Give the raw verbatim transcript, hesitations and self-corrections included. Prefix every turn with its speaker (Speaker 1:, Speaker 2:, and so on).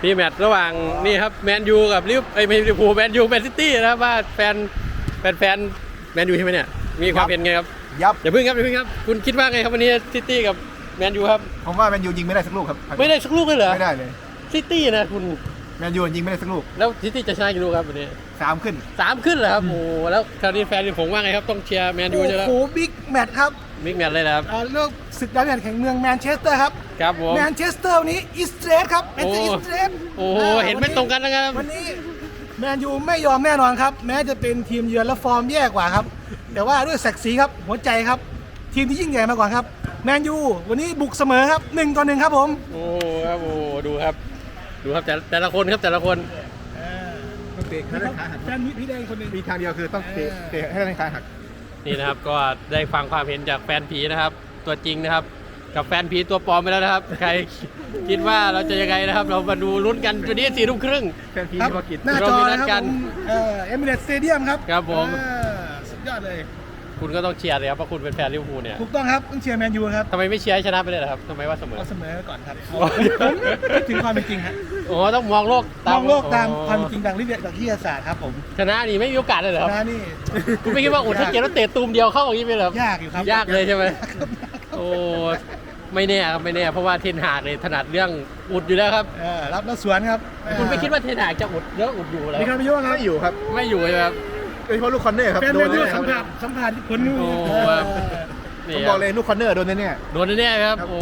Speaker 1: นี่แมตช์ระหว่างนี่ครับแมนยูกับลิเวอร์ไอ้ไม่ลิเวอร์พูลแมนยูแมนซิตี้นะครับว่าแฟนแฟนแฟนแมนยูใช่ไหมเนี่ยมีความเห็นไงครับ
Speaker 2: ยับ
Speaker 1: อย่าเพิ่งครับอย่าเพิ่งครับคุณคิดว่าไงครับวันนี้ซิตี้กับแมนยูครับ
Speaker 2: ผมว่าแมนยูยิงไม่ได้สักลูกครับ
Speaker 1: ไม่ได้สักลูกเลยเหรอ
Speaker 2: ไม่ได้เลย
Speaker 1: ซิตี้นะคุณ
Speaker 2: แมนยูยิงไม่ได้สักลูก
Speaker 1: แล้วซิตี้จะชนะกี่ลูกครับวันนี้
Speaker 2: สามขึ้น
Speaker 1: สามขึ้นเหรอครับโอ้แล้วคราวนี้แฟนผมว่าไงครับต้องเชียร์แมนยู
Speaker 3: โอ้
Speaker 1: ใช่แล้ว
Speaker 3: โหบิ๊กแมตช์ครับ
Speaker 1: บิ๊กแมตช์เลยนะครับ
Speaker 3: อ่าเลือกศึกดาวเด่นแข่งเมืองแมนเชสเตอร์ครับ
Speaker 1: ครับผม
Speaker 3: แมนเชสเตอร์วันนี้อิสเตรสครับแมนเชสเตอร์อิสเตรส
Speaker 1: โอ้โหเห็นไม่ตรงกันนะครับ
Speaker 3: วันนี้แมนยูไม่ยอมแน่นอนครับ แม้จะเป็นทีมเยือนและฟอร์มแย่กว่าครับ แต่ว่าด้วยศักดิ์ศรีครับหัวใจครับ ทีมที่ยิ่งใหญ่มาก่อนครับแมนยูวันนี้บุกเสมอครับหนึ่งต่อหนึ่งครับผม
Speaker 1: โอ้ครับโอ้ดูครับดูครับแต่แต่ละคนครับแต่ละคน
Speaker 2: ต้องเตะให้ได้ขาหัก
Speaker 3: แฟนพี่แดงคนหนึ่ง
Speaker 2: มีทางเดียวคือต้องเตะเตะให้ได้ขาหัก
Speaker 1: นี่นะครับก็ได้ฟังความเห็นจากแฟนผีนะครับ ตัวจริงนะครับ กับแฟนผีตัวปลอมไปแล้วนะครับ ใครคิดว่าเราจะยังไงนะครับ เรามาดูลุ้นกันวันนี้สี่ทุ่มครึ่ง
Speaker 2: แฟนพี
Speaker 3: ครับ
Speaker 2: ธุรกิจ
Speaker 3: หน้าจอนะครับ
Speaker 1: เรามีนัดกั
Speaker 3: ผ
Speaker 1: น
Speaker 3: มเอ่อเอมิเรตสเตเดียมครับ
Speaker 1: ครับผม
Speaker 3: เออสุดยอดเลย
Speaker 1: คุณก็ต้องเชียร์เลยครับเพราะคุณเป็นแฟนลิเวอร์พูลเนี่ย
Speaker 3: ถูกต้องครับต้องเชียร์แมนยูครับ
Speaker 1: ทำไมไม่เชียร์ให้ชนะไปเลยล่ะครับทำไมว่าเสมอ
Speaker 3: เอาเสมอไว้ก่อนครับผมคิดถึงความเป็นจริงครับ
Speaker 1: โอ้ต้องมองโลก
Speaker 3: มองโลกตาม
Speaker 1: อ๋อ
Speaker 3: ความเป็นจริงดังวิทยาวิทยาศาสตร์ครับผม
Speaker 1: ชนะนี่ไม่มีโอกาสเลยเหรอครับ
Speaker 3: นะนี่
Speaker 1: คุณไม่คิดว่าอุดถ้าเกมแล้วเตะตูมเดียวเข้าอย่างนี้ไปเหรอครับ
Speaker 3: ยากอยู่ครับ
Speaker 1: ยากเลยใช่ไหมโอ้ไม่แน่ครับไม่แน่เพราะว่าเทนหากเนี่ยถนัดเรื่องอุดอยู่แล้วครับ
Speaker 3: เออรับแล้วสวนครับ
Speaker 1: คุณไม่คิดว่าเทนหากจะอุดเยอะอุดอยู่แล้ว
Speaker 3: มีการประยุกต์ครับ
Speaker 2: ไม่อยู่ครับ
Speaker 1: ไม่อยู่เลยครับ
Speaker 2: โดยเฉพาะลูกคอนเนอร์ครับ
Speaker 3: แฟน
Speaker 2: โด
Speaker 3: แม
Speaker 2: น
Speaker 3: นยู
Speaker 2: แน่ๆค
Speaker 3: สั
Speaker 2: รับ
Speaker 3: มผัสสัมผัสผล
Speaker 1: โอ้
Speaker 3: เออ
Speaker 1: นี่
Speaker 2: ผม
Speaker 1: ค
Speaker 2: บ
Speaker 1: รั
Speaker 2: อบ กเลยลูกคอนเนอร์โดนแน่ๆ
Speaker 1: โดนแน่ๆครับโอ้